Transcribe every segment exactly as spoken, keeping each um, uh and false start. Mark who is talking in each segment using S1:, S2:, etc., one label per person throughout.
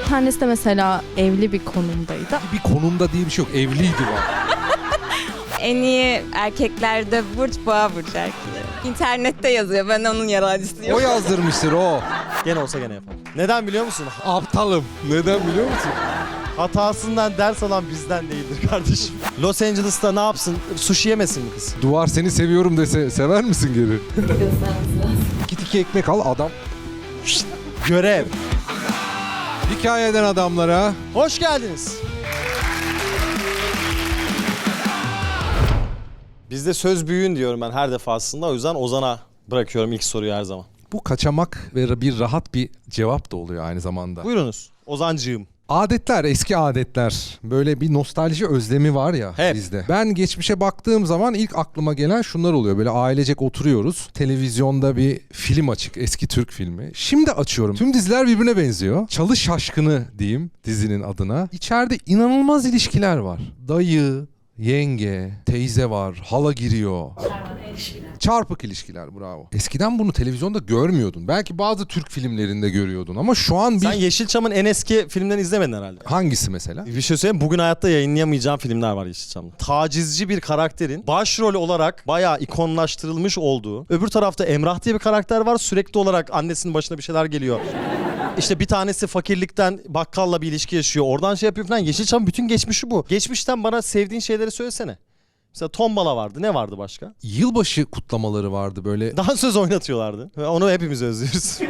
S1: tanesi de mesela evli bir konumdaydı.
S2: Bir konumda diye bir şey yok. Evliydi var.
S3: En iyi erkeklerde burç boğa burcu erkeği. İnternette yazıyor, ben onun yalancısıyım.
S2: O yazdırmıştır o.
S4: Gene olsa gene yapar. Neden biliyor musun?
S2: Aptalım. Neden biliyor musun?
S4: Hatasından ders alan bizden değildir kardeşim. Los Angeles'ta ne yapsın? Sushi yemesin mi kız?
S2: Duvar seni seviyorum dese sever misin geri? İki tiki ekmek al adam.
S4: Görev.
S2: Hikayeden adamlara.
S4: Hoş geldiniz. Bizde söz büyüğün diyorum ben her defasında. O yüzden Ozan'a bırakıyorum ilk soruyu her zaman.
S2: Bu kaçamak ve bir rahat bir cevap da oluyor aynı zamanda.
S4: Buyurunuz Ozancığım.
S2: Adetler, eski adetler. Böyle bir nostalji özlemi var ya
S4: Hep.
S2: bizde. Ben geçmişe baktığım zaman ilk aklıma gelen şunlar oluyor. Böyle ailecek oturuyoruz. Televizyonda bir film açık. Eski Türk filmi. Şimdi açıyorum. Tüm diziler birbirine benziyor. Çalı Şaşkını diyeyim dizinin adına. İçeride inanılmaz ilişkiler var. Dayı, yenge, teyze var, hala giriyor. Çarpık ilişkiler, bravo. Eskiden bunu televizyonda görmüyordun. Belki bazı Türk filmlerinde görüyordun ama şu an bir...
S4: Sen Yeşilçam'ın en eski filmlerini izlemedin herhalde.
S2: Hangisi mesela?
S4: Bir şey söyleyeyim, bugün hayatta yayınlayamayacağım filmler var Yeşilçam'da. Tacizci bir karakterin başrol olarak bayağı ikonlaştırılmış olduğu. Öbür tarafta Emrah diye bir karakter var. Sürekli olarak annesinin başına bir şeyler geliyor. İşte bir tanesi fakirlikten bakkalla bir ilişki yaşıyor. Oradan şey yapıyor falan. Yeşilçam'ın bütün geçmişi bu. Geçmişten bana sevdiğin şeyleri söylesene. Mesela tombala vardı. Ne vardı başka?
S2: Yılbaşı kutlamaları vardı böyle.
S4: Dansöz oynatıyorlardı. Ve onu hepimiz özlüyoruz.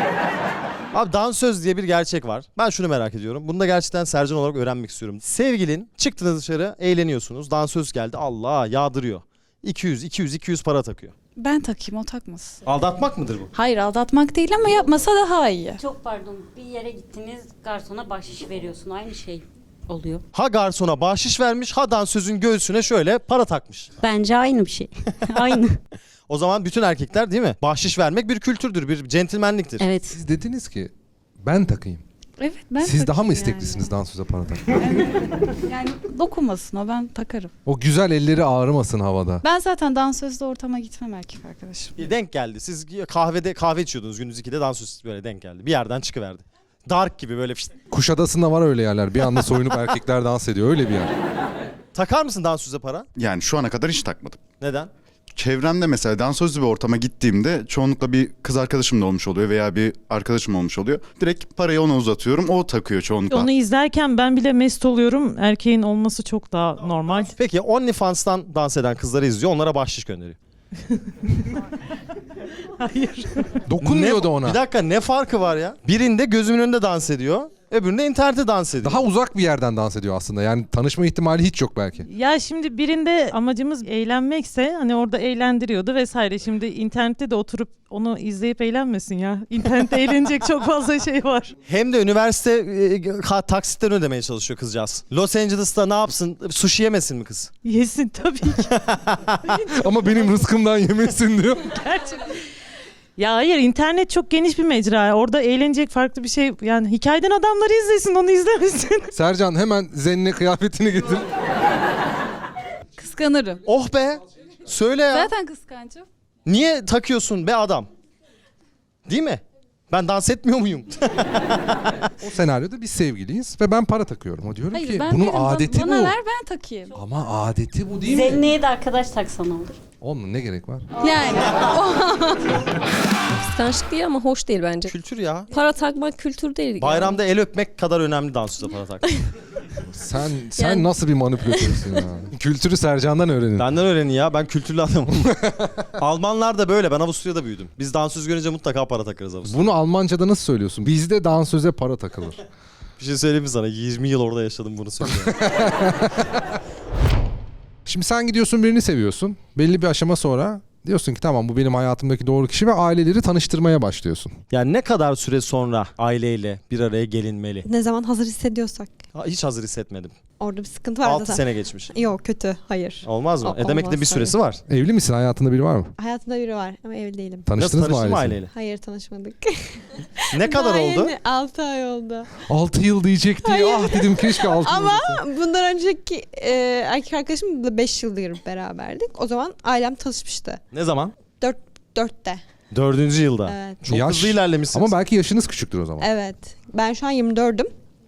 S4: Abi dansöz diye bir gerçek var. Ben şunu merak ediyorum. Bunu da gerçekten Sercan olarak öğrenmek istiyorum. Sevgilin, çıktınız dışarı, eğleniyorsunuz. Dansöz geldi. Allah yağdırıyor. iki yüz, iki yüz, iki yüz para takıyor.
S5: Ben takayım, o takmasın.
S4: Aldatmak mıdır bu?
S5: Hayır, aldatmak değil ama yapmasa daha iyi.
S6: Çok pardon, bir yere gittiniz, garsona bahşiş veriyorsun, aynı şey oluyor.
S4: Ha garsona bahşiş vermiş, ha dansözün göğsüne şöyle para takmış.
S6: Bence aynı bir şey. Aynı.
S4: O zaman bütün erkekler değil mi? Bahşiş vermek bir kültürdür, bir centilmenliktir.
S6: Evet.
S2: Siz dediniz ki ben takayım.
S5: Evet, ben
S2: Siz daha mı
S5: takayım
S2: isteklisiniz dansöze para takmaya?
S5: Yani. Yani dokunmasın o, ben takarım.
S2: O güzel elleri ağrımasın havada.
S5: Ben zaten dansözde ortama gitmem erkek arkadaşım.
S4: Denk geldi. Siz kahvede kahve içiyordunuz gündüz ikide, dansöz böyle denk geldi. Bir yerden çıkıverdi. Dark gibi böyle fişt.
S2: Kuşadası'nda var öyle yerler. Bir anda soyunup erkekler dans ediyor. Öyle bir yer.
S4: Takar mısın dansöze para?
S7: Yani şu ana kadar hiç takmadım.
S4: Neden?
S7: Çevremde mesela dansözlü bir ortama gittiğimde çoğunlukla bir kız arkadaşım da olmuş oluyor veya bir arkadaşım olmuş oluyor. Direkt parayı ona uzatıyorum, o takıyor çoğunlukla.
S8: Onu izlerken ben bile mest oluyorum. Erkeğin olması çok daha normal.
S4: Peki OnlyFans'tan dans eden kızları izliyor, onlara bahşiş gönderiyor.
S8: Hayır.
S2: Dokunmuyordu
S4: Ne-
S2: ona.
S4: Bir dakika, ne farkı var ya? Birinde gözümün önünde dans ediyor, öbüründe internette dans ediyor.
S2: Daha uzak bir yerden dans ediyor aslında. Yani tanışma ihtimali hiç yok belki.
S8: Ya şimdi birinde amacımız eğlenmekse hani orada eğlendiriyordu vesaire. Şimdi internette de oturup onu izleyip eğlenmesin ya. İnternette eğlenecek çok fazla şey var.
S4: Hem de üniversite e, ka- taksitlerini ödemeye çalışıyor kızcağız. Los Angeles'ta ne yapsın? Sushi yemesin mi kız?
S8: Yesin tabii ki.
S2: Ama benim rızkımdan yemesin diyor.
S8: Gerçekten. Ya hayır, internet çok geniş bir mecra. Orada eğlenecek farklı bir şey. Yani hikayeden adamları izlesin, onu izlemesin.
S2: Sercan hemen zenne kıyafetini getir.
S5: Kıskanırım.
S4: Oh be! Söyle ya.
S5: Zaten kıskancım.
S4: Niye takıyorsun be adam? Değil mi? Ben dans etmiyor muyum?
S2: O senaryoda biz sevgiliyiz ve ben para takıyorum. O diyorum
S5: Hayır,
S2: ki
S5: ben
S2: bunun
S5: veririm. Bana-
S2: adeti
S5: bana
S2: bu.
S5: ver, ben takayım.
S2: Ama adeti bu değil mi?
S6: Zenneye de arkadaş taksan olur.
S2: Onun ne gerek var?
S5: Yani.
S1: Kıskançlık değil ama hoş değil bence.
S4: Kültür ya.
S1: Para takmak kültür değil.
S4: Bayramda el öpmek kadar önemli dansöze para takmak.
S2: Sen sen
S1: Yani-
S2: nasıl bir manipülatörsün ya? Kültürü Sercan'dan öğrenin.
S4: Benden öğrenin ya, ben kültürlü adamım. Almanlar da böyle, ben Avusturya'da büyüdüm. Biz dansöz görünce mutlaka para takarız Avusturya'da.
S2: Bunu Almanca'da nasıl söylüyorsun? Bizde dansöze para takılır.
S4: Bir şey söyleyeyim mi sana? yirmi yıl orada yaşadım, bunu söylüyorum.
S2: Şimdi sen gidiyorsun, birini seviyorsun. Belli bir aşama sonra diyorsun ki tamam, bu benim hayatımdaki doğru kişi ve aileleri tanıştırmaya başlıyorsun.
S4: Yani ne kadar süre sonra aileyle bir araya gelinmeli?
S9: Ne zaman hazır hissediyorsak.
S4: Ha, hiç hazır hissetmedim.
S9: Orada bir sıkıntı var
S4: altı
S9: zaten.
S4: sene geçmiş.
S9: Yok, kötü. Hayır.
S4: Olmaz mı?
S9: O-
S4: e demek ki de
S9: olmaz,
S4: bir süresi var.
S2: Evli misin? Hayatında biri var mı?
S9: Hayatımda biri var ama evli değilim.
S4: Nasıl
S2: Tanıştınız mı
S4: tanıştın mı
S2: ailesiyle?
S4: aileyle?
S9: Hayır, tanışmadık.
S4: Ne kadar oldu?
S9: altı ay oldu.
S2: altı yıl diyecekti. Ah dedim, keşke altı yıl
S9: Ama
S2: dese.
S9: bundan önceki e, erkek arkadaşımla beş yıldır beraberdik. O zaman ailem tanışmıştı.
S4: Ne zaman?
S9: Dörtte.
S4: Dördüncü yılda.
S9: Evet.
S4: Çok
S2: Yaş-
S4: hızlı ilerlemişsiniz.
S2: Ama belki yaşınız küçüktür o zaman.
S9: Evet. Ben şu an yirmi dördüm.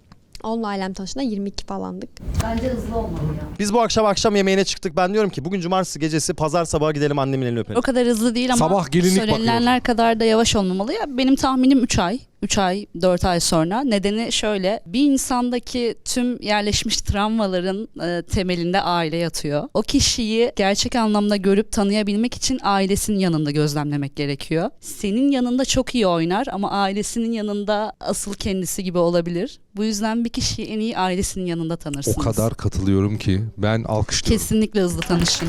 S9: Onunla ailem tanıştığında yirmi iki falandık.
S6: Bence hızlı olmalı ya.
S4: Biz bu akşam akşam yemeğine çıktık. Ben diyorum ki bugün cumartesi gecesi pazar sabahı gidelim annemin elini öpelim.
S10: O kadar hızlı değil ama
S2: Sabah gelinlik
S10: söylenenler kadar da yavaş olmamalı ya. Benim tahminim üç ay. üç ay, dört ay sonra. Nedeni şöyle. Bir insandaki tüm yerleşmiş travmaların e, temelinde aile yatıyor. O kişiyi gerçek anlamda görüp tanıyabilmek için ailesinin yanında gözlemlemek gerekiyor. Senin yanında çok iyi oynar ama ailesinin yanında asıl kendisi gibi olabilir. Bu yüzden bir kişiyi en iyi ailesinin yanında tanırsınız.
S2: O kadar katılıyorum ki ben alkışlıyorum.
S10: Kesinlikle hızlı tanışın.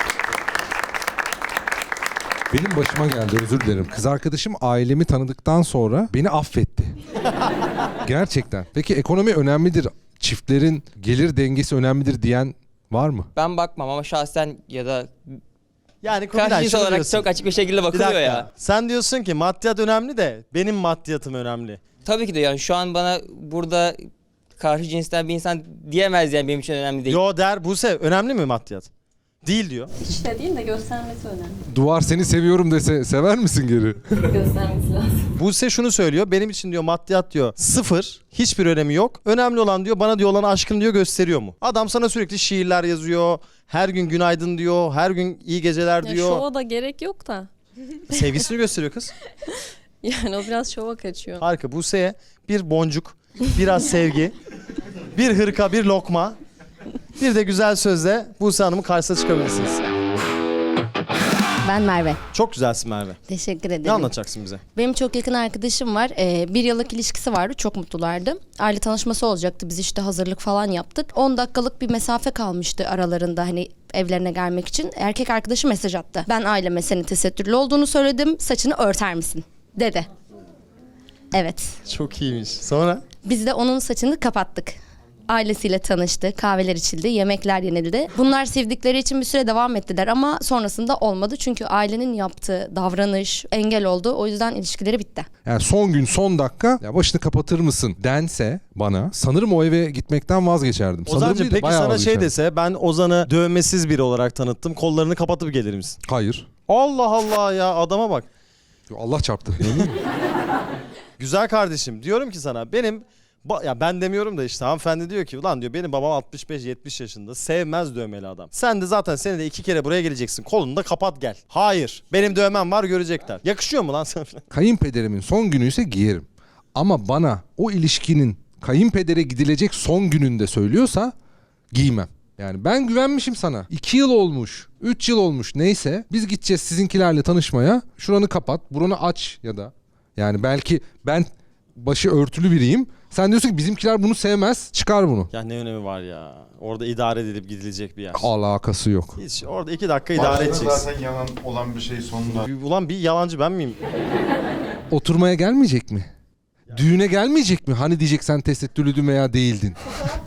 S2: Benim başıma geldi, özür dilerim. Kız arkadaşım ailemi tanıdıktan sonra beni affetti. Gerçekten. Peki ekonomi önemlidir, çiftlerin gelir dengesi önemlidir diyen var mı?
S11: Ben bakmam ama şahsen ya da
S4: Yani Kubilay
S11: karşı cins
S4: şunu
S11: olarak
S4: diyorsun.
S11: çok açık bir şekilde
S4: Bir
S11: bakılıyor
S4: dakika.
S11: ya.
S4: Sen diyorsun ki maddiyat önemli de benim maddiyatım önemli.
S11: Tabii ki de yani şu an bana burada karşı cinsten bir insan diyemez yani benim için önemli değil.
S4: Yo der Buse önemli mi maddiyat? Değil diyor.
S1: Hiç de değil de göstermesi önemli.
S2: Duvar seni seviyorum dese sever misin geri?
S1: Göstermesi lazım.
S4: Buse şunu söylüyor. Benim için diyor maddiyat diyor sıfır. Hiçbir önemi yok. Önemli olan diyor bana diyor olan aşkın diyor gösteriyor mu? Adam sana sürekli şiirler yazıyor. Her gün günaydın diyor. Her gün iyi geceler
S1: Ya
S4: diyor.
S1: şova da gerek yok da.
S4: Sevgisini gösteriyor kız.
S1: Yani o biraz şova kaçıyor.
S4: Harika. Buse'ye bir boncuk, biraz sevgi, bir hırka, bir lokma, bir de güzel sözle Buse Hanım'ın karşısına çıkabilirsiniz.
S12: Ben Merve.
S4: Çok güzelsin Merve.
S12: Teşekkür ederim.
S4: Ne anlatacaksın bize?
S12: Benim çok yakın arkadaşım var. Ee, bir yıllık ilişkisi vardı. Çok mutlulardı. Aile tanışması olacaktı. Biz işte hazırlık falan yaptık. on dakikalık bir mesafe kalmıştı aralarında hani evlerine gelmek için. Erkek arkadaşı mesaj attı. Ben aileme senin tesettürlü olduğunu söyledim. Saçını örter misin? Dedi. Evet.
S4: Çok iyiymiş. Sonra?
S12: Biz de onun saçını kapattık. Ailesiyle tanıştı, kahveler içildi, yemekler yenildi. Bunlar sevdikleri için bir süre devam ettiler ama sonrasında olmadı. Çünkü ailenin yaptığı davranış engel oldu. O yüzden ilişkileri bitti.
S2: Yani son gün son dakika ya başını kapatır mısın dense bana sanırım o eve gitmekten vazgeçerdim. Sanırım
S4: Ozan'cığım
S2: değil de
S4: peki
S2: bayağı
S4: sana şey
S2: vazgeçerdim.
S4: dese ben Ozan'ı dövmesiz biri olarak tanıttım. Kollarını kapatıp gelir misin?
S2: Hayır.
S4: Allah Allah ya adama bak.
S2: Allah çarptı.
S4: Güzel kardeşim diyorum ki sana benim ba- ya ben demiyorum da işte hanımefendi diyor ki ulan diyor benim babam altmış beş yetmiş yaşında sevmez dövmeli adam. Sen de zaten senede iki kere buraya geleceksin kolunu da kapat gel. Hayır benim dövmem var görecekler. Yakışıyor mu lan sana?
S2: Kayınpederimin son günü ise giyerim. Ama bana o ilişkinin kayınpedere gidilecek son gününde söylüyorsa giymem. Yani ben güvenmişim sana. iki yıl olmuş, üç yıl olmuş neyse. Biz gideceğiz sizinkilerle tanışmaya. Şuranı kapat, buranı aç ya da. Yani belki ben başı örtülü biriyim. Sen diyorsun ki bizimkiler bunu sevmez. Çıkar bunu.
S4: Ya ne önemi var ya. Orada idare edilip gidilecek bir yer.
S2: Alakası yok.
S4: Hiç orada iki dakika idare edeceksin.
S7: Zaten yalan olan bir şey sonunda.
S4: Ulan bir yalancı ben miyim?
S2: Oturmaya gelmeyecek mi? Düğüne gelmeyecek mi? Hani diyecek sen tesettürlüydün veya değildin.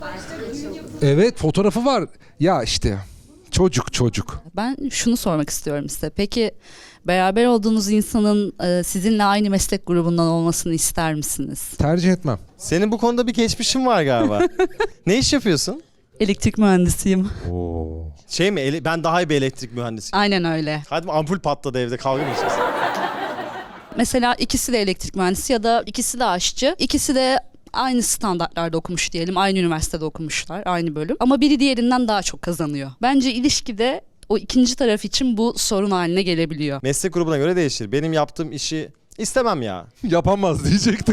S2: Evet fotoğrafı var. Ya işte çocuk çocuk.
S10: Ben şunu sormak istiyorum size. Peki beraber olduğunuz insanın e, sizinle aynı meslek grubundan olmasını ister misiniz?
S2: Tercih etmem.
S4: Senin bu konuda bir geçmişin var galiba. Ne iş yapıyorsun?
S10: Elektrik mühendisiyim.
S2: Oo.
S4: Şey mi? ele- Ben daha iyi bir elektrik mühendisiyim.
S10: Aynen öyle.
S4: Hadi ampul patladı evde kavga mı edeceğiz?
S10: Mesela ikisi de elektrik mühendisi ya da ikisi de aşçı. İkisi de aynı standartlarda okumuş diyelim. Aynı üniversitede okumuşlar. Aynı bölüm. Ama biri diğerinden daha çok kazanıyor. Bence ilişkide o ikinci taraf için bu sorun haline gelebiliyor.
S4: Meslek grubuna göre değişir. Benim yaptığım işi istemem ya.
S2: Yapamaz diyecekti.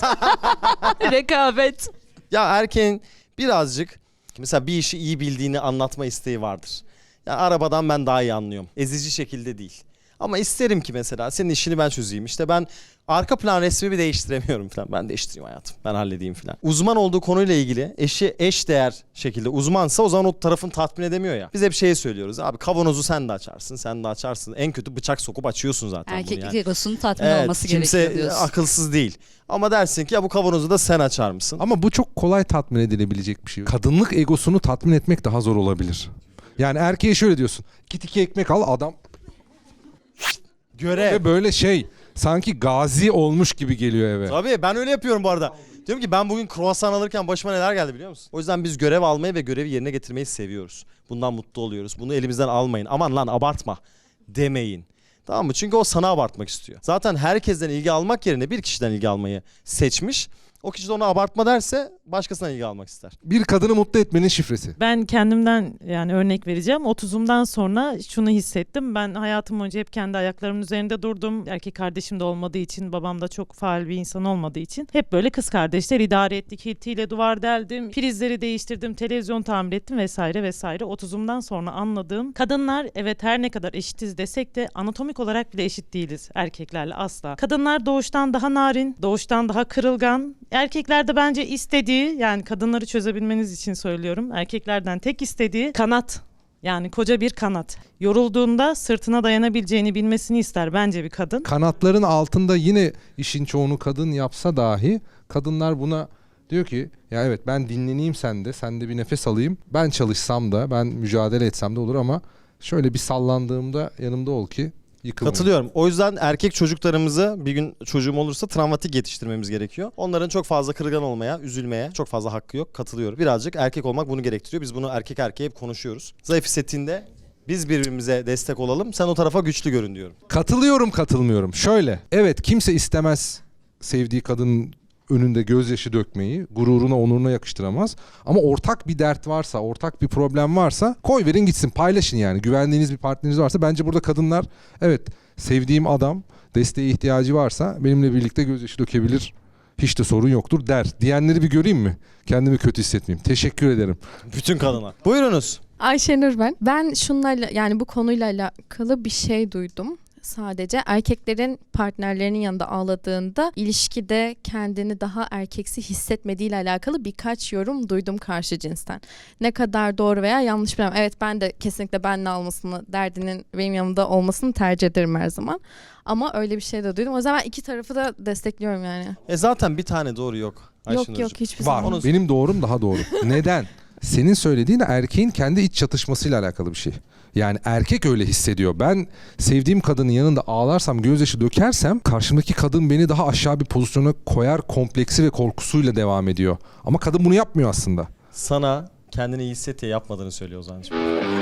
S10: Rekabet.
S4: Ya erkeğin birazcık mesela bir işi iyi bildiğini anlatma isteği vardır. Ya arabadan ben daha iyi anlıyorum. Ezici şekilde değil. Ama isterim ki mesela senin işini ben çözeyim. İşte ben arka plan resmimi değiştiremiyorum falan. Ben değiştireyim hayatım. Ben halledeyim falan. Uzman olduğu konuyla ilgili eşi eş değer şekilde uzmansa o zaman o tarafın tatmin edemiyor ya. Biz hep şeyi söylüyoruz. Abi kavanozu sen de açarsın, sen de açarsın. En kötü bıçak sokup açıyorsun zaten bunu
S10: Erkeklik
S4: yani.
S10: egosunun tatmin
S4: Evet,
S10: olması
S4: kimse
S10: gerekiyor diyorsun.
S4: akılsız değil. Ama dersin ki ya bu kavanozu da sen açar mısın?
S2: Ama bu çok kolay tatmin edilebilecek bir şey. Kadınlık egosunu tatmin etmek daha zor olabilir. Yani erkeğe şöyle diyorsun. Git iki ekmek al adam.
S4: Görev.
S2: Ve böyle şey sanki gazi olmuş gibi geliyor eve.
S4: Tabii ben öyle yapıyorum bu arada. Diyorum ki ben bugün kruvasan alırken başıma neler geldi biliyor musun? O yüzden biz görev almayı ve görevi yerine getirmeyi seviyoruz. Bundan mutlu oluyoruz. Bunu elimizden almayın. Aman lan abartma demeyin. Tamam mı? Çünkü o sana abartmak istiyor. Zaten herkesten ilgi almak yerine bir kişiden ilgi almayı seçmiş. O kişi de ona abartma derse başkasına ilgi almak ister.
S2: Bir kadını mutlu etmenin şifresi.
S8: Ben kendimden yani örnek vereceğim. otuzumdan sonra şunu hissettim. Ben hayatım boyunca hep kendi ayaklarımın üzerinde durdum. Erkek kardeşim de olmadığı için, babam da çok faal bir insan olmadığı için hep böyle kız kardeşler idare ettik. Hiltiyle duvar deldim, prizleri değiştirdim, televizyon tamir ettim vesaire vesaire. otuzumdan sonra anladığım, kadınlar evet her ne kadar eşitiz desek de anatomik olarak bile eşit değiliz erkeklerle asla. Kadınlar doğuştan daha narin, doğuştan daha kırılgan. Erkekler de bence istediği, yani kadınları çözebilmeniz için söylüyorum, erkeklerden tek istediği kanat. Yani koca bir kanat. Yorulduğunda sırtına dayanabileceğini bilmesini ister bence bir kadın.
S2: Kanatların altında yine işin çoğunu kadın yapsa dahi kadınlar buna diyor ki ya evet ben dinleneyim sende, sen de bir nefes alayım. Ben çalışsam da, ben mücadele etsem de olur ama şöyle bir sallandığımda yanımda ol ki yıkılmayayım.
S4: Katılıyorum. O yüzden erkek çocuklarımızı bir gün çocuğum olursa travmatik yetiştirmemiz gerekiyor. Onların çok fazla kırılgan olmaya, üzülmeye çok fazla hakkı yok. Katılıyorum. Birazcık erkek olmak bunu gerektiriyor. Biz bunu erkek erkeğe hep konuşuyoruz. Zayıf hissettiğinde biz birbirimize destek olalım. Sen o tarafa güçlü görün diyorum.
S2: Katılıyorum, katılmıyorum. Şöyle, evet kimse istemez sevdiği kadının önünde gözyaşı dökmeyi, gururuna, onuruna yakıştıramaz. Ama ortak bir dert varsa, ortak bir problem varsa koy verin gitsin, paylaşın yani. Güvendiğiniz bir partneriniz varsa bence burada kadınlar evet sevdiğim adam desteğe ihtiyacı varsa benimle birlikte gözyaşı dökebilir. Hiç de sorun yoktur der. Diyenleri bir göreyim mi? Kendimi kötü hissetmeyeyim. Teşekkür ederim.
S4: Bütün kadınlar. Buyurunuz.
S13: Ayşenur ben. Ben şunlarla yani bu konuyla alakalı bir şey duydum. Sadece erkeklerin partnerlerinin yanında ağladığında ilişkide kendini daha erkeksi hissetmediğiyle alakalı birkaç yorum duydum karşı cinsten. Ne kadar doğru veya yanlış bilmem. Evet ben de kesinlikle benle almasını, derdinin benim yanımda olmasını tercih ederim her zaman. Ama öyle bir şey de duydum. O zaman ben iki tarafı da destekliyorum yani.
S4: E zaten bir tane doğru yok.
S13: Yok yok hiçbir
S2: Var.
S13: zaman.
S2: Benim doğrum daha doğru. Neden? Senin söylediğin erkeğin kendi iç çatışmasıyla alakalı bir şey. Yani erkek öyle hissediyor. Ben sevdiğim kadının yanında ağlarsam, gözyaşı dökersem karşımdaki kadın beni daha aşağı bir pozisyona koyar kompleksi ve korkusuyla devam ediyor. Ama kadın bunu yapmıyor aslında.
S4: Sana kendini iyi hisset diye yapmadığını söylüyor Ozan'cığım.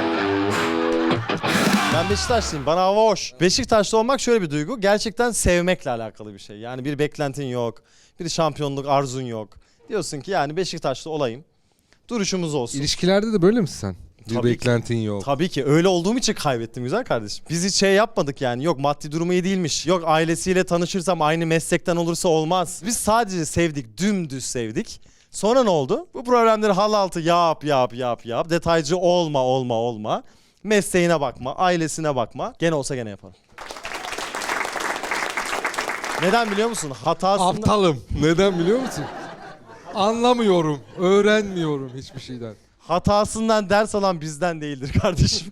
S4: Ben Beşiktaşlıyım. Bana hava hoş. Beşiktaşlı olmak şöyle bir duygu. Gerçekten sevmekle alakalı bir şey. Yani bir beklentin yok. Bir şampiyonluk arzun yok. Diyorsun ki yani Beşiktaşlı olayım. Duruşumuz olsun.
S2: İlişkilerde de böyle misin sen? Bir
S4: Tabii
S2: beklentin
S4: ki.
S2: yok.
S4: Tabii ki. Öyle olduğum için kaybettim güzel kardeşim. Biz hiç şey yapmadık yani. Yok maddi durumu iyi değilmiş. Yok ailesiyle tanışırsam aynı meslekten olursa olmaz. Biz sadece sevdik. Dümdüz sevdik. Sonra ne oldu? Bu problemleri hal altı yap yap yap yap. Detaycı olma olma olma. Mesleğine bakma. Ailesine bakma. Gene olsa gene yaparım. Neden biliyor musun? Hatasında...
S2: Aptalım. Neden biliyor musun? Anlamıyorum. Öğrenmiyorum hiçbir şeyden.
S4: Hatasından ders alan bizden değildir kardeşim.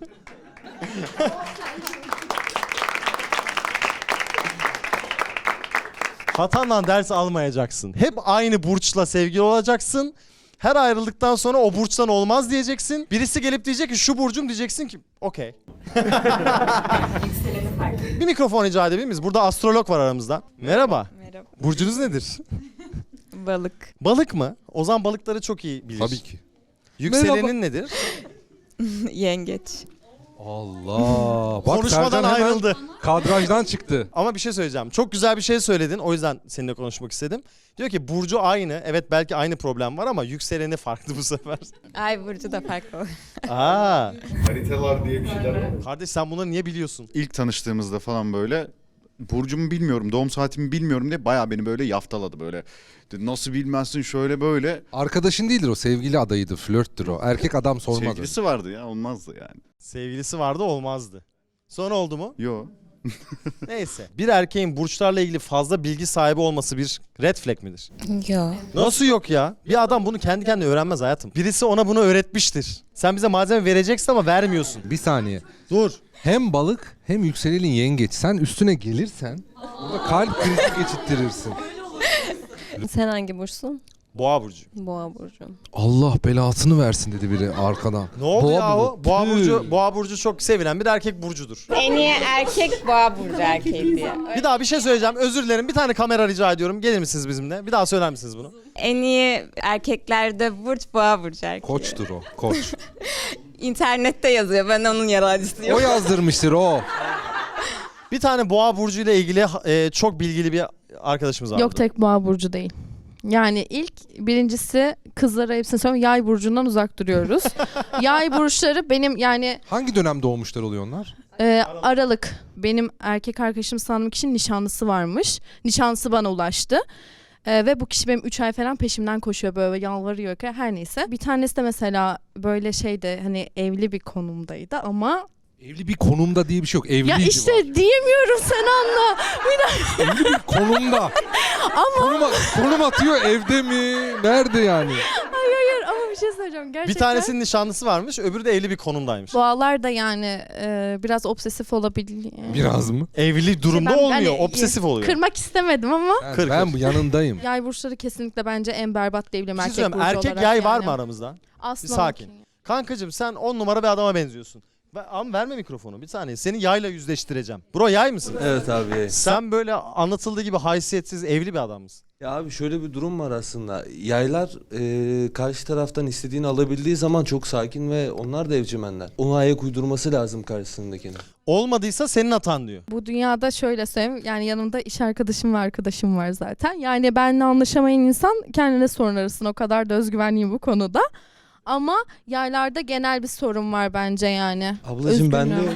S4: Hatandan ders almayacaksın. Hep aynı burçla sevgili olacaksın. Her ayrıldıktan sonra o burçtan olmaz diyeceksin. Birisi gelip diyecek ki şu burcum, diyeceksin ki okey. Bir mikrofon rica edebilir miyiz? Burada astrolog var aramızda. Merhaba.
S3: Merhaba.
S4: Burcunuz nedir?
S3: Balık.
S4: Balık mı? Ozan balıkları çok iyi bilir.
S2: Tabii ki.
S4: Yükselenin
S2: Merhaba.
S4: nedir?
S3: Yengeç.
S2: Allah. Bak
S4: Konuşmadan
S2: Sercan hemen
S4: ayrıldı.
S2: kadrajdan çıktı.
S4: Ama bir şey söyleyeceğim. Çok güzel bir şey söyledin. O yüzden seninle konuşmak istedim. Diyor ki burcu aynı. Evet belki aynı problem var ama yükseleni farklı bu sefer.
S3: Ay burcu da farklı.
S4: Aa.
S7: Haritalar diye bir şeyler var.
S4: Kardeş sen bunları niye biliyorsun?
S7: İlk tanıştığımızda falan böyle burcumu bilmiyorum, doğum saatimi bilmiyorum diye bayağı beni böyle yaftaladı böyle. Dedi, nasıl bilmezsin şöyle böyle.
S2: Arkadaşın değildir o, sevgili adayıydı, flörttür o. Erkek adam sormaz.
S7: Sevgilisi vardı ya, olmazdı yani.
S4: Sevgilisi vardı olmazdı. Sonra oldu mu?
S7: Yo.
S4: Neyse. Bir erkeğin burçlarla ilgili fazla bilgi sahibi olması bir red flag midir?
S12: Yok.
S4: Nasıl yok ya? Bir adam bunu kendi kendine öğrenmez hayatım. Birisi ona bunu öğretmiştir. Sen bize malzeme vereceksin ama vermiyorsun.
S2: Bir saniye.
S4: Dur.
S2: Hem balık hem yükselenin yengeç. Sen üstüne gelirsen burada kalp krizi geçittirirsin.
S1: Sen hangi burçsun?
S4: Boğa burcu.
S1: Boğa burcu.
S2: Allah belasını versin dedi biri arkadan.
S4: Ne oldu
S2: Boğa
S4: ya o?
S2: burcu.
S4: Boğa
S2: Tüh.
S4: burcu, boğa burcu çok sevilen bir erkek burcudur.
S3: En iyi erkek boğa burcu erkeği diye.
S4: Bir daha bir şey söyleyeceğim. Özür dilerim. Bir tane kamera rica ediyorum. Gelir misiniz bizimle? Bir daha söyler misiniz bunu?
S3: En iyi erkeklerde burç boğa burcu erkeği.
S2: Koçtur o, koç.
S3: İnternette yazıyor. Ben onun yalancısıyım.
S2: O yazdırmıştır o.
S4: Bir tane boğa burcu ile ilgili e, çok bilgili bir arkadaşımız var.
S13: Yok tek boğa burcu değil. Yani ilk birincisi kızlara hepsini söylüyorum. Yay burcundan uzak duruyoruz. Yay burçları benim yani
S2: Hangi dönem doğmuşlar oluyor onlar?
S13: e, Aralık. Benim erkek arkadaşım sandığım kişinin nişanlısı varmış. Nişanlısı bana ulaştı. E, ve bu kişi benim üç ay falan peşimden koşuyor böyle yalvarıyor. Her neyse. Bir tanesi de mesela böyle şeyde hani evli bir konumdaydı ama
S2: Evli bir konumda diye bir şey yok. Evliydi
S13: ya işte
S2: var.
S13: diyemiyorum sen anla. Bir dakika.
S2: Evli bir konumda.
S13: Ama
S2: Konum, konum atıyor evde mi? Nerede yani?
S13: hayır hayır ama bir şey söyleyeceğim gerçekten.
S4: Bir tanesinin nişanlısı varmış, öbürü de evli bir konumdaymış.
S13: Boğalar da yani e, biraz obsesif olabilir.
S2: Biraz mı?
S4: Evli durumda
S13: ben-
S4: olmuyor,
S13: hani,
S4: obsesif oluyor.
S13: Kırmak istemedim ama
S2: Ben,
S4: Kır,
S2: ben
S4: kır.
S2: bu yanındayım.
S13: yay burçları kesinlikle bence en berbat diyebilirim
S4: Bir şey
S13: erkek
S4: söyleyeyim,
S13: burcu
S4: erkek
S13: olarak
S4: yay var
S13: yani.
S4: mı aramızda?
S13: Aslan
S4: Bir sakin.
S13: okey.
S4: Kankacığım sen on numara bir adama benziyorsun. Ve- Ama verme mikrofonu bir saniye. Seni yayla yüzleştireceğim. Bro yay mısın?
S14: Evet abi.
S4: Sen böyle anlatıldığı gibi haysiyetsiz evli bir adam mısın?
S14: Ya abi şöyle bir durum var aslında. Yaylar e, karşı taraftan istediğini alabildiği zaman çok sakin ve onlar da evcimenler. Ona ayak uydurması lazım karşısındakine.
S4: Olmadıysa senin hatan diyor.
S13: Bu dünyada şöyle söyleyeyim yani yanımda iş arkadaşım ve arkadaşım var zaten. Yani benimle anlaşamayan insan kendine sorun arasın, o kadar da özgüvenliyim bu konuda. Ama yaylarda genel bir sorun var bence yani.
S14: Ablacığım ben de
S13: Üzgünüm.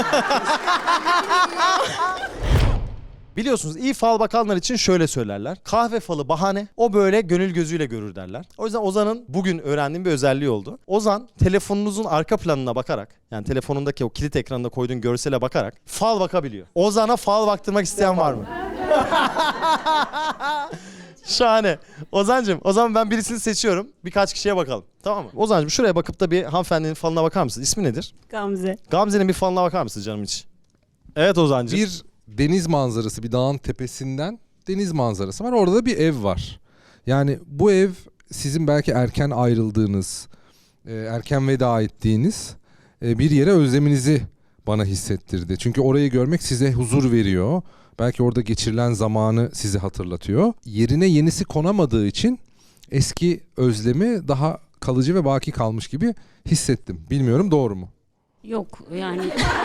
S4: Biliyorsunuz iyi fal bakanlar için şöyle söylerler. Kahve falı bahane, o böyle gönül gözüyle görür derler. O yüzden Ozan'ın bugün öğrendiğim bir özelliği oldu. Ozan telefonunuzun arka planına bakarak, yani telefonundaki o kilit ekranında koyduğun görsele bakarak fal bakabiliyor. Ozan'a fal baktırmak isteyen var mı? Şahane. Ozancığım, o zaman ben birisini seçiyorum. Birkaç kişiye bakalım. Tamam mı? Ozancığım şuraya bakıp da bir hanımefendinin falına bakar mısın? İsmi nedir?
S6: Gamze.
S4: Gamze'nin bir falına bakar mısın canım hiç? Evet Ozancığım.
S2: Bir deniz manzarası, bir dağın tepesinden deniz manzarası var. Orada da bir ev var. Yani bu ev sizin belki erken ayrıldığınız, e, erken veda ettiğiniz e, bir yere özleminizi bana hissettirdi. Çünkü orayı görmek size huzur veriyor. Belki orada geçirilen zamanı sizi hatırlatıyor. Yerine yenisi konamadığı için eski özlemi daha kalıcı ve baki kalmış gibi hissettim. Bilmiyorum doğru mu?
S6: Yok yani.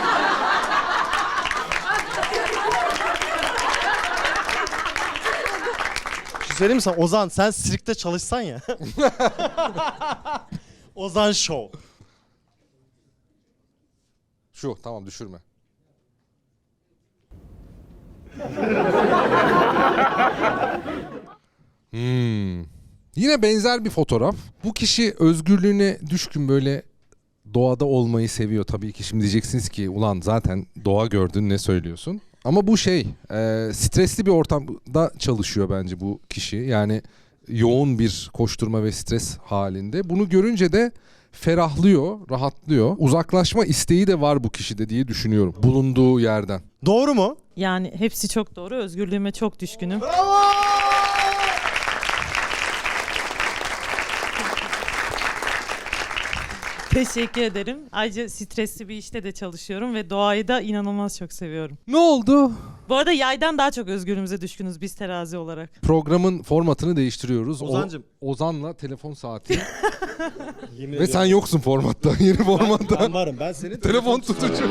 S4: Bir şey söyleyeyim mi sana? Ozan sen sirkte çalışsan ya. Ozan Show.
S2: Şu tamam düşürme. Hmm. Yine benzer bir fotoğraf. Bu kişi özgürlüğüne düşkün, böyle doğada olmayı seviyor. Tabii ki şimdi diyeceksiniz ki ulan zaten doğa gördün ne söylüyorsun? Ama bu şey e, stresli bir ortamda çalışıyor bence bu kişi. Yani yoğun bir koşturma ve stres halinde. Bunu görünce de ferahlıyor, rahatlıyor. Uzaklaşma isteği de var bu kişide diye düşünüyorum. Bulunduğu yerden.
S4: Doğru mu?
S8: Yani hepsi çok doğru. Özgürlüğüme çok düşkünüm. Teşekkür ederim. Ayrıca stresli bir işte de çalışıyorum ve doğayı da inanılmaz çok seviyorum.
S2: Ne oldu?
S8: Bu arada yaydan daha çok özgürlüğümüze düşkünüz biz terazi olarak.
S2: Programın formatını değiştiriyoruz.
S4: Ozancım.
S2: O, Ozan'la telefon saati.
S4: Yemin
S2: Ve sen yoksun formatta. Yeni formatta.
S4: Ben varım. Ben senin
S2: Telefon tutucu.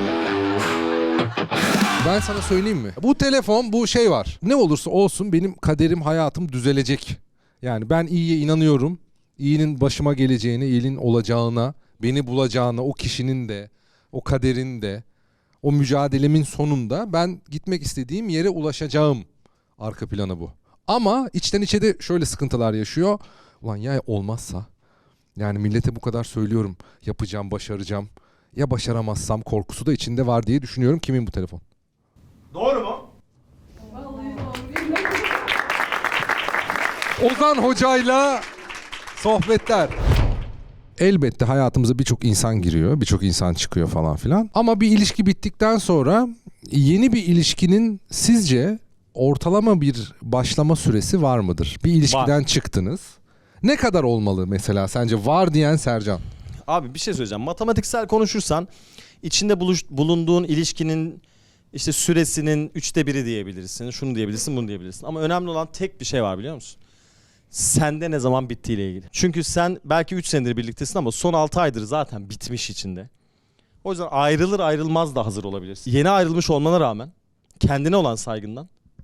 S2: Ben sana söyleyeyim mi? Bu telefon, bu şey var. Ne olursa olsun benim kaderim, hayatım düzelecek. Yani ben iyiye inanıyorum. İyinin başıma geleceğine, iyinin olacağına, beni bulacağına, o kişinin de, o kaderin de, o mücadelemin sonunda ben gitmek istediğim yere ulaşacağım. Arka planı bu. Ama içten içe de şöyle sıkıntılar yaşıyor. Ulan ya olmazsa? Yani millete bu kadar söylüyorum. Yapacağım, başaracağım. Ya başaramazsam korkusu da içinde var diye düşünüyorum. Kimin bu telefon?
S4: Doğru mu?
S2: Ozan Hoca'yla sohbetler. Elbette hayatımıza birçok insan giriyor, birçok insan çıkıyor falan filan. Ama bir ilişki bittikten sonra yeni bir ilişkinin sizce ortalama bir başlama süresi var mıdır? Bir ilişkiden
S4: Var.
S2: çıktınız. Ne kadar olmalı mesela sence? Var diyen Sercan.
S4: Abi bir şey söyleyeceğim. Matematiksel konuşursan içinde buluş, bulunduğun ilişkinin işte süresinin üçte biri diyebilirsin. Şunu diyebilirsin, bunu diyebilirsin. Ama önemli olan tek bir şey var biliyor musun? Sende ne zaman bittiğiyle ilgili. Çünkü sen belki üç senedir birliktesin ama son altı aydır zaten bitmiş içinde. O yüzden ayrılır ayrılmaz da hazır olabilirsin. Yeni ayrılmış olmana rağmen kendine olan saygından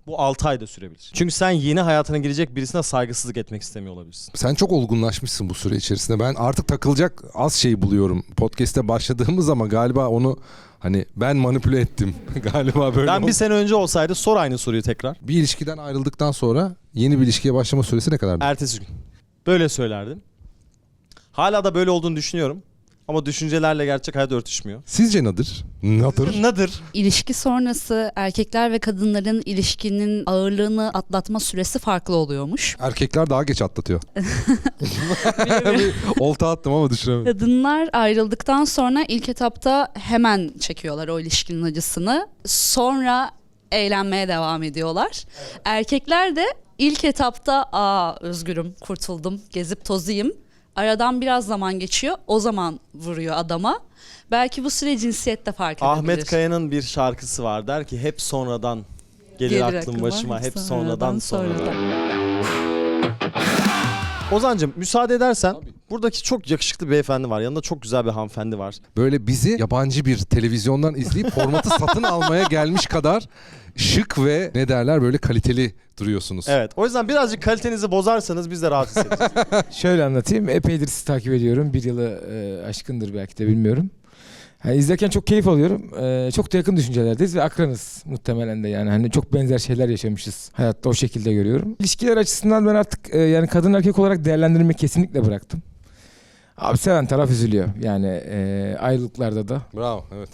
S4: Bu altı ayda sürebilir. Çünkü sen yeni hayatına girecek birisine saygısızlık etmek istemiyor olabilirsin.
S2: Sen çok olgunlaşmışsın bu süre içerisinde. Ben artık takılacak az şey buluyorum. Podcast'te başladığımız ama galiba onu hani ben manipüle ettim. Galiba böyle
S4: Ben bir
S2: oldu.
S4: sene önce olsaydı sor aynı soruyu tekrar.
S2: Bir ilişkiden ayrıldıktan sonra yeni bir ilişkiye başlama süresi ne kadardı?
S4: Ertesi gün. Böyle söylerdim. Hala da böyle olduğunu düşünüyorum. Ama düşüncelerle gerçek hayat örtüşmüyor.
S2: Sizce nedir? Nedir?
S4: Nedir?
S10: İlişki sonrası erkekler ve kadınların ilişkinin ağırlığını atlatma süresi farklı oluyormuş.
S2: Erkekler daha geç atlatıyor. Bir olta attım ama düşünemedim.
S10: Kadınlar ayrıldıktan sonra ilk etapta hemen çekiyorlar o ilişkinin acısını. Sonra eğlenmeye devam ediyorlar. Erkekler de ilk etapta aa özgürüm, kurtuldum, gezip tozayım. Aradan biraz zaman geçiyor. O zaman vuruyor adama. Belki bu süre cinsiyette fark edebilir.
S4: Ahmet Kaya'nın bir şarkısı var. Der ki hep sonradan gelir,
S10: Gelir
S4: aklım
S10: aklıma,
S4: başıma.
S10: hep
S4: Hep
S10: sonradan,
S4: sonradan sonradan.
S10: sonradan.
S4: Ozancığım müsaade edersen buradaki çok yakışıklı bir beyefendi var. Yanında çok güzel bir hanımefendi var.
S2: Böyle bizi yabancı bir televizyondan izleyip formatı satın almaya gelmiş kadar şık ve ne derler böyle kaliteli duruyorsunuz.
S4: Evet. O yüzden birazcık kalitenizi bozarsanız biz de rahat hissederiz.
S15: Şöyle anlatayım. Epeydir sizi takip ediyorum. Bir yılı e, aşkındır belki de bilmiyorum. Yani izlerken çok keyif alıyorum. E, çok da yakın düşüncelerdeyiz ve akranız muhtemelen de yani. Hani çok benzer şeyler yaşamışız. Hayatta o şekilde görüyorum. İlişkiler açısından ben artık e, yani kadın erkek olarak değerlendirmeyi kesinlikle bıraktım. Abi seven taraf üzülüyor. Yani e, ayrılıklarda da.
S2: Bravo, evet.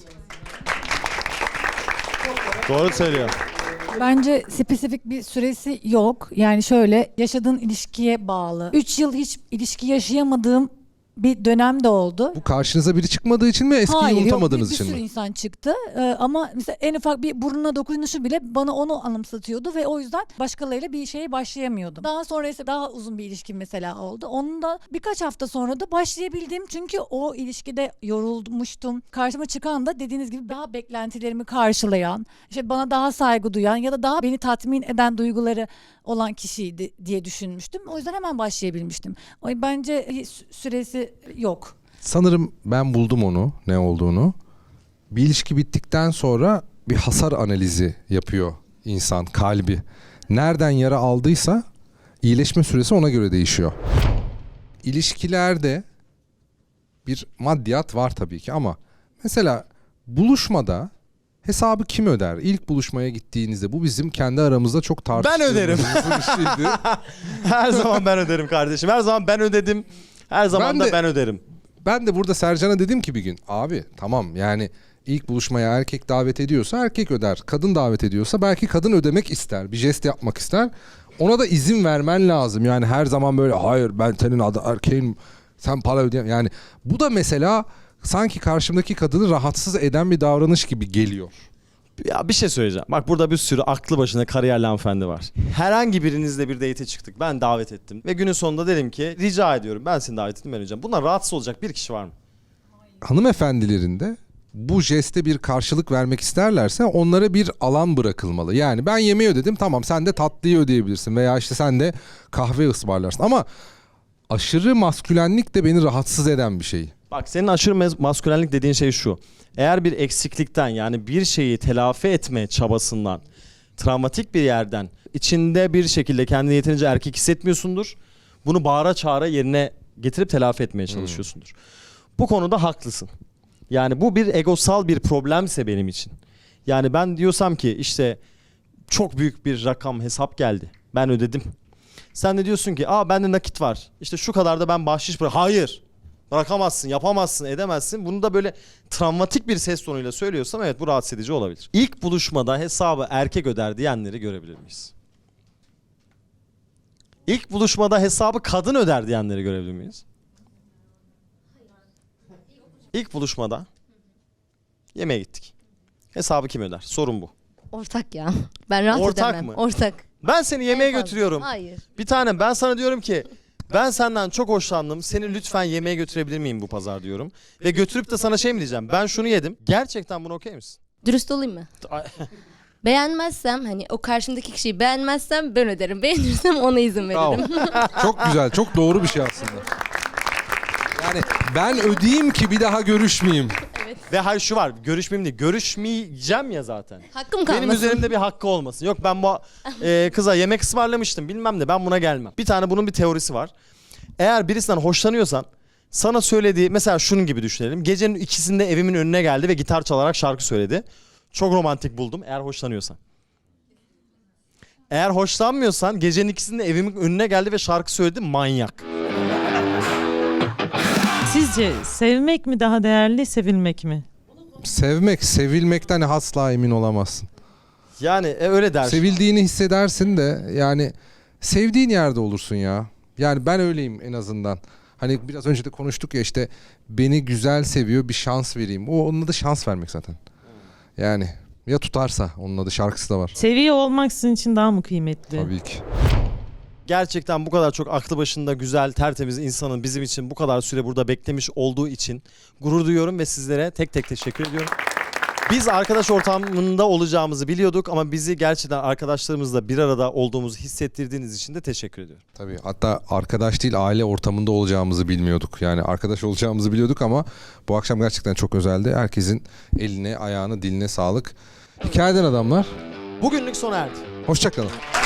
S4: Doğru söylüyor.
S16: Bence spesifik bir süresi yok. Yani şöyle yaşadığın ilişkiye bağlı. üç yıl hiç ilişki yaşayamadığım bir dönem de oldu.
S2: Bu karşınıza biri çıkmadığı için mi, eskiyi
S16: Hayır,
S2: unutamadığınız
S16: yok, bir,
S2: için
S16: bir sürü
S2: mi?
S16: insan çıktı. Ee, ama mesela en ufak bir burnuna dokunuşu bile bana onu anımsatıyordu ve o yüzden başkalarıyla bir şeye başlayamıyordum. Daha sonra ise daha uzun bir ilişkim mesela oldu. Onun da birkaç hafta sonra da başlayabildim. Çünkü o ilişkide yorulmuştum. Karşıma çıkan da dediğiniz gibi daha beklentilerimi karşılayan, işte bana daha saygı duyan ya da daha beni tatmin eden duyguları olan kişiydi diye düşünmüştüm. O yüzden hemen başlayabilmiştim. O bence sü- süresi yok.
S2: Sanırım ben buldum onu, ne olduğunu. Bir ilişki bittikten sonra bir hasar analizi yapıyor insan, kalbi. Nereden yara aldıysa iyileşme süresi ona göre değişiyor. İlişkilerde bir maddiyat var tabii ki ama mesela buluşmada hesabı kim öder? İlk buluşmaya gittiğinizde bu bizim kendi aramızda çok tartıştığımız
S4: öderim.
S2: bir şeydi.
S4: Her zaman ben öderim kardeşim. Her zaman ben ödedim. Her zaman
S2: Ben
S4: da
S2: de-
S4: ben öderim.
S2: Ben de burada Sercan'a dedim ki bir gün abi tamam yani ilk buluşmaya erkek davet ediyorsa erkek öder. Kadın davet ediyorsa belki kadın ödemek ister. Bir jest yapmak ister. Ona da izin vermen lazım. Yani her zaman böyle hayır ben senin adı erkeğin sen para ödeyem. Yani bu da mesela sanki karşımdaki kadını rahatsız eden bir davranış gibi geliyor.
S4: Ya bir şey söyleyeceğim. Bak burada bir sürü aklı başında kariyerli hanımefendi var. Herhangi birinizle bir date'e çıktık. Ben davet ettim. Ve günün sonunda dedim ki rica ediyorum ben seni davet ettim ben ödeyeceğim. Bundan rahatsız olacak bir kişi var mı?
S2: Hanımefendilerin de bu jeste bir karşılık vermek isterlerse onlara bir alan bırakılmalı. Yani ben yemeği ödedim tamam sen de tatlıyı ödeyebilirsin veya işte sen de kahve ısmarlarsın. Ama aşırı maskülenlik de beni rahatsız eden bir şey.
S4: Bak senin aşırı mez- maskülenlik dediğin şey şu. Eğer bir eksiklikten yani bir şeyi telafi etme çabasından, travmatik bir yerden içinde bir şekilde kendini yeterince erkek hissetmiyorsundur. Bunu bağıra çağıra yerine getirip telafi etmeye çalışıyorsundur. Bu konuda haklısın. Yani bu bir egosal bir problemse benim için. Yani ben diyorsam ki işte çok büyük bir rakam hesap geldi. Ben ödedim. Sen de diyorsun ki aa bende nakit var. İşte şu kadar da ben bahşiş bırak. Hayır. Bırakamazsın, yapamazsın, edemezsin. Bunu da böyle travmatik bir ses tonuyla söylüyorsam evet bu rahatsız edici olabilir. İlk buluşmada hesabı erkek öder diyenleri görebilir miyiz? İlk buluşmada hesabı kadın öder diyenleri görebilir miyiz? İlk buluşmada yemeğe gittik. Hesabı kim öder? Sorun bu.
S12: Ortak ya. Ben rahat
S4: Ortak
S12: edemem.
S4: mı?
S12: Ortak.
S4: Ben seni yemeğe
S12: En fazla.
S4: götürüyorum.
S12: Hayır.
S4: Bir tanem ben sana diyorum ki ben senden çok hoşlandım. Seni lütfen yemeğe götürebilir miyim bu pazar diyorum. Ve götürüp de sana şey mi diyeceğim? Ben şunu yedim. Gerçekten bunu okey misin?
S12: Dürüst olayım mı? Beğenmezsem hani o karşımdaki kişiyi beğenmezsem ben öderim. Beğenirsem ona izin
S2: Bravo.
S12: veririm.
S2: Çok güzel, çok doğru bir şey aslında. Yani ben ödeyeyim ki bir daha görüşmeyeyim.
S12: Evet.
S4: Ve hayır şu var, görüşmeyeyim değil, görüşmeyeceğim ya zaten.
S12: Hakkım kalmasın.
S4: Benim üzerimde bir hakkı olmasın. Yok ben bu e, kıza yemek ısmarlamıştım bilmem ne, ben buna gelmem. Bir tane bunun bir teorisi var. Eğer birisinden hoşlanıyorsan sana söylediği, mesela şunun gibi düşünelim. Gecenin ikisinde evimin önüne geldi ve gitar çalarak şarkı söyledi. Çok romantik buldum eğer hoşlanıyorsan. Eğer hoşlanmıyorsan gecenin ikisinde evimin önüne geldi ve şarkı söyledi, manyak.
S8: Sizce sevmek mi daha değerli, sevilmek mi?
S2: Sevmek, sevilmekten asla emin olamazsın.
S4: Yani e, öyle dersin.
S2: Sevildiğini hissedersin de yani sevdiğin yerde olursun ya. Yani ben öyleyim en azından. Hani biraz önce de konuştuk ya, işte beni güzel seviyor, bir şans vereyim. O onun adı şans vermek zaten. Yani ya tutarsa, onun adı, şarkısı da var.
S8: Seviyor olmak sizin için daha mı kıymetli?
S2: Tabii ki.
S4: Gerçekten bu kadar çok aklı başında güzel, tertemiz insanın bizim için bu kadar süre burada beklemiş olduğu için gurur duyuyorum ve sizlere tek tek teşekkür ediyorum. Biz arkadaş ortamında olacağımızı biliyorduk ama bizi gerçekten arkadaşlarımızla bir arada olduğumuzu hissettirdiğiniz için de teşekkür ediyorum.
S2: Tabii, hatta arkadaş değil, aile ortamında olacağımızı bilmiyorduk. Yani arkadaş olacağımızı biliyorduk ama bu akşam gerçekten çok özeldi. Herkesin eline, ayağına, diline sağlık. Hikayeden adamlar.
S4: Bugünlük sona erdi.
S2: Hoşça kalın.